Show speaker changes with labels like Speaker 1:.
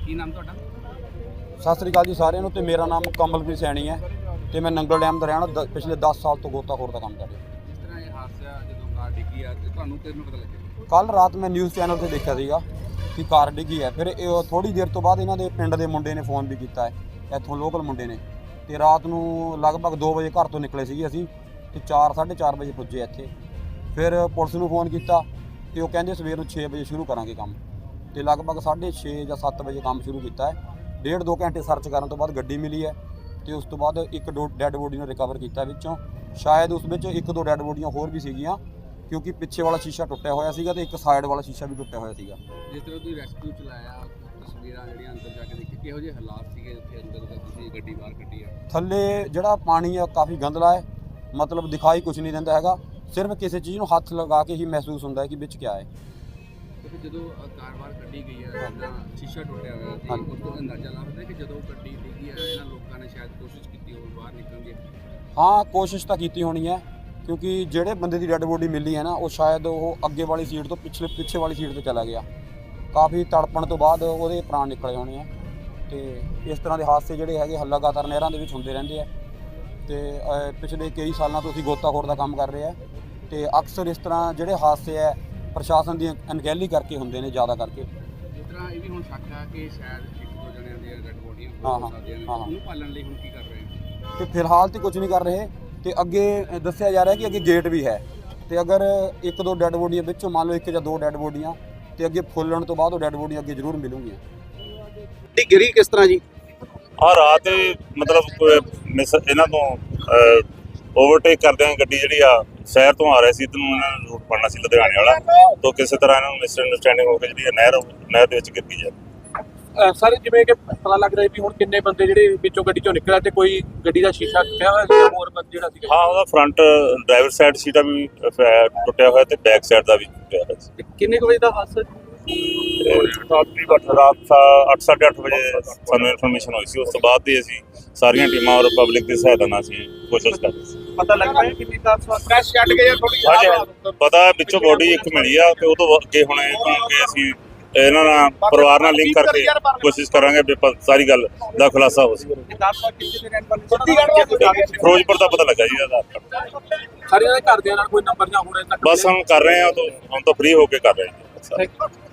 Speaker 1: ਕੀ ਨਾਮ ਤੁਹਾਡਾ?
Speaker 2: ਸਤਿ ਸ੍ਰੀ ਅਕਾਲ ਜੀ ਸਾਰਿਆਂ ਨੂੰ। ਤੇ ਮੇਰਾ ਨਾਮ ਕਮਲਪ੍ਰੀਤ ਸੈਣੀ ਹੈ ਤੇ ਮੈਂ ਨੰਗਲ ਡੈਮ ਦਾ ਰਹਿਣਾ ਪਿਛਲੇ 10 ਸਾਲ ਤੋਂ ਗੋਤਾਖੋਰ ਦਾ ਕੰਮ ਕਰ ਰਿਹਾ।
Speaker 1: ਇਸ ਤਰ੍ਹਾਂ ਇਹ ਹਾਦਸਾ ਜਦੋਂ ਕਾਰ ਡਿੱਗੀ ਆ ਤੇ ਤੁਹਾਨੂੰ ਕਿਵੇਂ ਪਤਾ ਲੱਗਿਆ?
Speaker 2: ਕੱਲ ਰਾਤ ਮੈਂ ਨਿਊਜ਼ ਚੈਨਲ ਤੇ ਦੇਖਿਆ ਸੀਗਾ ਕਿ ਕਾਰ ਡਿੱਗੀ ਹੈ। ਫਿਰ ਥੋੜੀ ਦੇਰ ਤੋਂ ਬਾਅਦ ਇਹਨਾਂ ਦੇ ਪਿੰਡ ਦੇ ਮੁੰਡੇ ਨੇ ਫੋਨ ਵੀ ਕੀਤਾ ਹੈ, ਇੱਥੋਂ ਲੋਕਲ ਮੁੰਡੇ ਨੇ। ਤੇ ਰਾਤ ਨੂੰ ਲਗਭਗ 2 ਵਜੇ ਘਰ ਤੋਂ ਨਿਕਲੇ ਸੀਗੇ ਅਸੀਂ ਤੇ 4-4:30 ਵਜੇ ਪੁੱਜੇ ਇੱਥੇ। ਫਿਰ ਪੁਲਿਸ ਨੂੰ ਫੋਨ ਕੀਤਾ ਤੇ ਉਹ ਕਹਿੰਦੇ ਸਵੇਰ ਨੂੰ 6 ਵਜੇ ਸ਼ੁਰੂ ਕਰਾਂਗੇ ਕੰਮ। ਤੇ ਲਗਭਗ 6:30 ਜਾਂ 7 ਵਜੇ ਕੰਮ ਸ਼ੁਰੂ ਕੀਤਾ ਹੈ। 1.5-2 ਘੰਟੇ ਸਰਚ ਕਰਨ ਤੋਂ ਬਾਅਦ ਗੱਡੀ ਮਿਲੀ ਹੈ ਤੇ ਉਸ ਤੋਂ ਬਾਅਦ ਇੱਕ ਡੈੱਡ ਬੋਡੀ ਨੂੰ ਰਿਕਵਰ ਕੀਤਾ ਵਿੱਚੋਂ। ਸ਼ਾਇਦ ਉਸ ਵਿੱਚ 1-2 ਡੈੱਡ ਬੋਡੀਆਂ ਹੋਰ ਵੀ ਸੀਗੀਆਂ ਕਿਉਂਕਿ ਪਿੱਛੇ ਵਾਲਾ ਸ਼ੀਸ਼ਾ ਟੁੱਟਿਆ ਹੋਇਆ ਸੀਗਾ ਤੇ ਇੱਕ ਸਾਈਡ ਵਾਲਾ ਸ਼ੀਸ਼ਾ ਵੀ ਟੁੱਟਿਆ ਹੋਇਆ ਸੀਗਾ।
Speaker 1: ਜਿਸ ਤਰ੍ਹਾਂ ਤੁਸੀਂ ਰੈਸਕਿਊ ਚਲਾਇਆ, ਤਸਵੀਰਾਂ ਜਿਹੜੀਆਂ ਅੰਦਰ ਜਾ ਕੇ ਦੇਖੀ, ਕਿਹੋ ਜਿਹੇ ਹਾਲਾਤ ਸੀਗੇ ਉੱਥੇ ਅੰਦਰ ਦਾ ਤੁਸੀਂ ਗੱਡੀ ਬਾਹਰ ਕੱਢੀ ਆ?
Speaker 2: ਥੱਲੇ ਜਿਹੜਾ ਪਾਣੀ ਆ ਕਾਫੀ ਗੰਦਲਾ ਹੈ, ਮਤਲਬ ਦਿਖਾਈ ਕੁਝ ਨਹੀਂ ਦਿੰਦਾ ਹੈਗਾ। ਸਿਰਫ ਕਿਸੇ ਚੀਜ਼ ਨੂੰ ਹੱਥ ਲਗਾ ਕੇ ਹੀ ਮਹਿਸੂਸ ਹੁੰਦਾ ਹੈ ਕਿ ਵਿੱਚ ਕਿਆ ਹੈ।
Speaker 1: ਤੇ ਜਦੋਂ ਕਾਰ ਬਾਹਰ ਕੱਢੀ ਗਈ ਹੈ ਤਾਂ ਸ਼ੀਸ਼ਾ ਟੁੱਟਿਆ ਹੋਇਆ ਸੀ, ਉਸ ਤੋਂ ਅੰਦਾਜ਼ਾ ਲਾ ਸਕਦੇ ਕਿ ਜਦੋਂ ਗੱਡੀ ਡਿੱਗੀ ਹੈ ਇਹਨਾਂ ਲੋਕਾਂ ਨੇ ਸ਼ਾਇਦ ਕੋਸ਼ਿਸ਼ ਕੀਤੀ ਹੋਵੇ ਬਾਹਰ ਨਿਕਲਣ ਦੀ।
Speaker 2: ਹਾਂ, ਕੋਸ਼ਿਸ਼ ਤਾਂ ਕੀਤੀ ਹੋਣੀ ਹੈ ਕਿਉਂਕਿ ਜਿਹੜੇ ਬੰਦੇ ਦੀ ਡੈੱਡ ਬੋਡੀ ਮਿਲੀ ਹੈ ਨਾ ਉਹ ਸ਼ਾਇਦ ਉਹ ਅੱਗੇ ਵਾਲੀ ਸੀਟ ਤੋਂ ਪਿੱਛੇ ਵਾਲੀ ਸੀਟ 'ਤੇ ਚਲਾ ਗਿਆ। ਕਾਫੀ ਤੜਪਣ ਤੋਂ ਬਾਅਦ ਉਹਦੇ ਪ੍ਰਾਣ ਨਿਕਲੇ ਹੋਣੇ ਆ। ਤੇ ਇਸ ਤਰ੍ਹਾਂ ਦੇ ਹਾਦਸੇ ਜਿਹੜੇ ਹੈਗੇ ਲਗਾਤਾਰ ਨਹਿਰਾਂ ਦੇ ਵਿੱਚ ਹੁੰਦੇ ਰਹਿੰਦੇ ਆ। ਤੇ ਪਿਛਲੇ ਕਈ ਸਾਲਾਂ ਤੋਂ ਅਸੀਂ ਗੋਤਾਖੋਰ ਦਾ ਕੰਮ ਕਰ ਰਹੇ ਆ ਤੇ ਅਕਸਰ ਇਸ ਤਰ੍ਹਾਂ ਜਿਹੜੇ ਹਾਦਸੇ ਹੈ ਪ੍ਰਸ਼ਾਸਨ ਦੀ ਅਣਗਹਿਲੀ ਕਰਕੇ ਹੁੰਦੇ ਨੇ ਜ਼ਿਆਦਾ ਕਰਕੇ।
Speaker 1: ਜਿਸ ਤਰ੍ਹਾਂ ਇਹ ਵੀ ਹੁਣ ਸ਼ੱਕ ਆ ਕਿ ਸ਼ਾਇਦ 1-2 ਜਣਿਆਂ ਦੀਆਂ ਡੈਡ ਬੋਡੀਆਂ
Speaker 2: ਹਾਂ,
Speaker 1: ਹੋ ਸਕਦੀਆਂ ਨੇ,
Speaker 2: ਹਾਂ।
Speaker 1: ਉਹਨੂੰ ਪਾਲਣ ਲਈ ਹੁਣ ਕੀ ਕਰ ਰਹੇ ਹੋ?
Speaker 2: ਤੇ ਫਿਲਹਾਲ ਤੇ ਕੁਝ ਨਹੀਂ ਕਰ ਰਹੇ ਤੇ ਅੱਗੇ ਦੱਸਿਆ ਜਾ ਰਿਹਾ ਕਿ ਅੱਗੇ ਗੇਟ ਵੀ ਹੈ ਤੇ ਅਗਰ 1-2 ਡੈੱਡ ਬੋਡੀਆਂ ਵਿੱਚੋਂ ਮੰਨ ਲਓ 1 ਜਾਂ 2 ਡੈੱਡ ਬੋਡੀਆਂ ਤੇ ਅੱਗੇ ਫੁੱਲਣ ਤੋਂ ਬਾਅਦ ਉਹ ਡੈੱਡ ਬੋਡੀਆਂ ਅੱਗੇ ਜ਼ਰੂਰ ਮਿਲੂਗੀਆਂ।
Speaker 1: ਗਿਰੀ ਕਿਸ ਤਰ੍ਹਾਂ ਜੀ?
Speaker 3: ਆ ਰਾਤ ਮਤਲਬ ਮਿਸ ਇਹਨਾਂ ਤੋਂ ਓਵਰਟੇਕ ਕਰਦਿਆਂ ਗੱਡੀ ਜਿਹੜੀ ਆ ਸ਼ਹਿਰ ਤੋਂ ਆ ਰਹੀ ਸੀ ਇੱਧਰ ਨੂੰ, ਇਹਨਾਂ ਨੇ ਰੂਟ ਫੜਨਾ ਸੀ ਲੁਧਿਆਣੇ ਵਾਲਾ। ਤੋਂ ਕਿਸੇ ਤਰ੍ਹਾਂ ਇਹਨਾਂ ਨੂੰ ਮਿਸ ਅੰਡਰਸਟੈਂਡਿੰਗ ਹੋ ਕੇ ਜਿਹੜੀ ਨਹਿਰ ਦੇ ਵਿੱਚ ਗਿਰ ਗਈ।
Speaker 4: ਸਰ ਜਿਵੇਂ ਕਿ ਪਤਾ ਲੱਗ ਰਿਹਾ ਵੀ ਹੁਣ ਕਿੰਨੇ ਬੰਦੇ ਜਿਹੜੇ ਵਿੱਚੋਂ ਗੱਡੀ ਚੋਂ ਨਿਕਲਿਆ ਤੇ ਕੋਈ ਗੱਡੀ ਦਾ ਸ਼ੀਸ਼ਾ ਟੁੱਟਿਆ ਹੋਇਆ ਸੀ, ਹੋਰ ਜਿਹੜਾ ਸੀਗਾ?
Speaker 3: ਹਾਂ, ਉਹਦਾ ਫਰੰਟ ਡਰਾਈਵਰ ਸਾਈਡ ਸੀਟਾ ਵੀ ਟੁੱਟਿਆ ਹੋਇਆ ਤੇ ਬੈਕ ਸਾਈਡ ਦਾ ਵੀ ਟੁੱਟਿਆ ਹੋਇਆ ਸੀ।
Speaker 4: ਕਿੰਨੇ ਕੁ ਵਜੇ ਦਾ ਹਾਦਸਾ?
Speaker 3: ਰਾਤ 8:30 ਵਜੇ ਸਾਨੂੰ ਇਨਫੋਰਮੇਸ਼ਨ ਹੋਈ ਸੀ। ਉਸ ਤੋਂ ਬਾਅਦ ਹੀ ਅਸੀਂ ਸਾਰੀਆਂ ਟੀਮਾਂ ਔਰ ਪਬਲਿਕ ਦੀ ਸਹਾਇਤਾ ਨਾਲ ਅਸੀਂ ਕੋਸ਼ਿਸ਼ ਕਰ ਰਹੇ ਸੀ।
Speaker 4: ਪਤਾ ਲੱਗ ਪਾਇਆ ਕਿੰਨੀ ਕਾਰ ਕ੍ਰੈਸ਼ ਛੱਡ ਗਏ ਜਾਂ ਥੋੜੀ
Speaker 3: ਪਤਾ ਵਿੱਚੋਂ ਬੋਡੀ ਇੱਕ ਮਿਲੀ ਆ ਤੇ ਉਹ ਤੋਂ ਅੱਗੇ ਹੁਣ ਕਿ ਅਸੀਂ ਇਹਨਾਂ ਨਾਲ ਪਰਿਵਾਰ ਨਾਲ ਲਿੰਕ ਕਰਕੇ ਕੋਸ਼ਿਸ਼ ਕਰਾਂਗੇ ਵੀ ਸਾਰੀ ਗੱਲ ਦਾ ਖੁਲਾਸਾ ਹੋ ਸਕੇ। ਫਿਰੋਜ਼ਪੁਰ ਦਾ ਪਤਾ ਲੱਗਾ ਜੀ ਇਹਦਾ।
Speaker 4: ਸਾਰੇ ਘਰਦਿਆਂ ਨਾਲ ਕੋਈ ਨੰਬਰ ਜਾਂ ਹੋਰ ਤੱਕ
Speaker 3: ਬਸ ਹੁਣ ਕਰ ਰਹੇ ਹਾਂ, ਹੁਣ ਤਾਂ ਫ੍ਰੀ ਹੋ ਕੇ ਕਰ ਰਹੇ ਹਾਂ।